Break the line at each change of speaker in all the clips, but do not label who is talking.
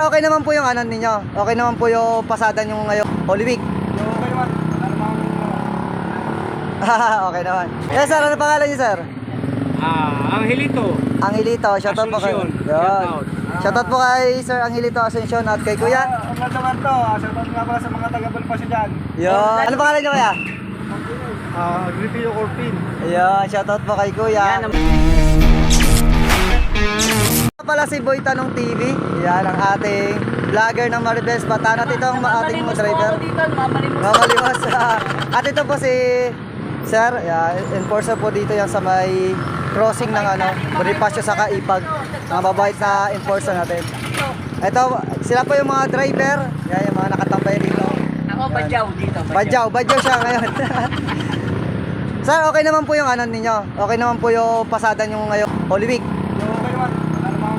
okay naman po yung ano ninyo. Okay naman po yung pasada nyo ngayon. Holy Week.
Okay naman. Ano namang...
Okay naman. Yes sir, ano pangalan niyo sir?
Angelito.
Angelito, shoutout po kayo.
Asuncion.
Yun. Shoutout po kay Sir Angelito Asuncion at kay Kuya.
Ang ganda naman to. Shoutout nga pala sa mga taga-Balpasyo dyan.
Yun. Ano pangalan niyo kuya?
Agripio Corpin.
Yun, shoutout po kay Kuya. Pala si Boy Tanong TV. Yan ang ating vlogger ng Maribes Bataan. At ito ang ating mga driver. Mamalimos. At ito po si Sir, enforcer po dito yan sa may crossing ng Bonifacio sa Kaipag. Mga mabait na enforcer natin. Ito, sila po yung mga driver. Yan, yung mga nakatambay dito.
Ako, badyaw dito.
Badyaw siya ngayon. Sir, okay naman po yung ano ninyo. Okay naman po yung pasada nyo ngayon. Holy Week.
Okay naman. Ano namang...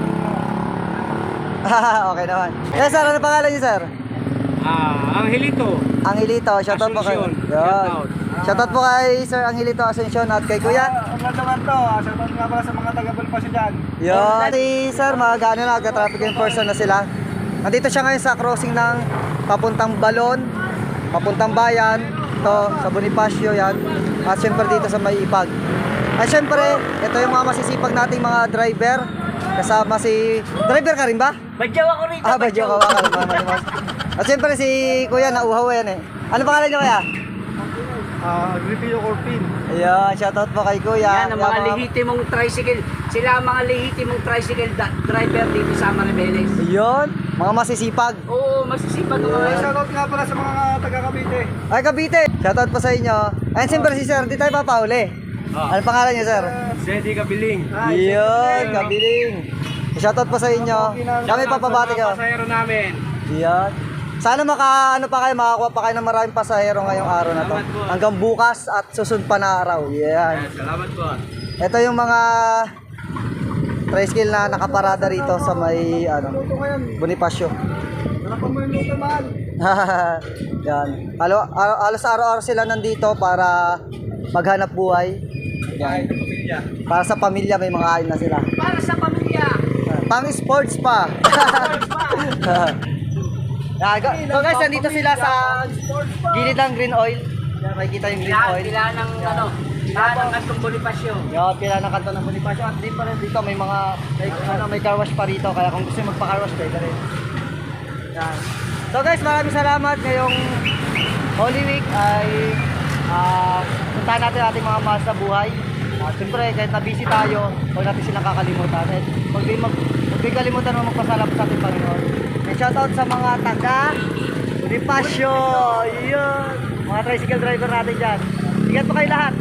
Okay naman. Yes sir, ano pangalan niyo sir?
Angelito.
Angelito, shoutout po kayo.
Asuncion.
Yun. Shoutout po kay Sir Angelito Asuncion at kay Kuya.
Ang ganda naman to. Shoutout nga pala sa mga taga-Balpasyo dyan.
Yun. Si Sir, mag-ano na, traffic enforcer na sila. Nandito siya ngayon sa crossing ng papuntang Balon, papuntang Bayan, ito sa Bonifacio yan. At syempre dito sa May Ipag. At syempre, ito yung mga masisipag nating mga driver. Kasama si... Driver ka rin ba?
Badyaw ako rito.
Badyaw ka ba? At syempre si Kuya, nauhaw yan eh. Ano pangalan niyo Kuya?
Agripio Corpin.
Ayan, shoutout po kay Kuya.
Yan ang mga lehitimong tricycle. Sila ang mga lehitimong tricycle driver dito sa Maribeles.
Ayun, mga masisipag.
Oo, masisipag ang mga
Shoutout nga pala sa mga taga-Cavite.
Ay, Cavite. Shoutout po sa inyo. Ayun, siyempre si Sir, di tayo papauli. Ano pangalan niyo, Sir?
Zeddy Kabiling.
Yun, Kabiling. Shoutout po sa inyo. Kami papabati kayo.
Pasahero namin.
Yan. Sana makakuha pa kayo ng maraming pasahero ngayong araw na to.
Salamat po.
Hanggang bukas at susunod pa na araw. Yan.
Salamat po.
Ito yung mga tricycle na nakaparada rito sa may Bonifacio.
Wala mo yung luto man.
Yan. Alos araw-araw sila nandito para maghanap buhay. Yan. Para sa pamilya may mga kain na sila.
Para sa pamilya.
Pang sports pa. So guys, nandito sila sa gilid ng green oil. Yan, makikita yung green oil.
Pila ng ng Kantong Bonifacio.
Yan, pila ng kanto ng Bonifacio. At din pa rin dito may mga may car wash pa rito. Kaya kung gusto nyo magpa-car wash, pwede rin. Yan. So guys, maraming salamat. Ngayong Holy Week ay puntahan natin ating mga mahal sa buhay. Siyempre, kahit na busy tayo, huwag natin silang kakalimutan. Huwag din kalimutan mo magpasalamat sa ating Panginoon. And shoutout sa mga taga Bonifacio. Yun. Mga tricycle driver natin dyan. Ingat po kayo lahat.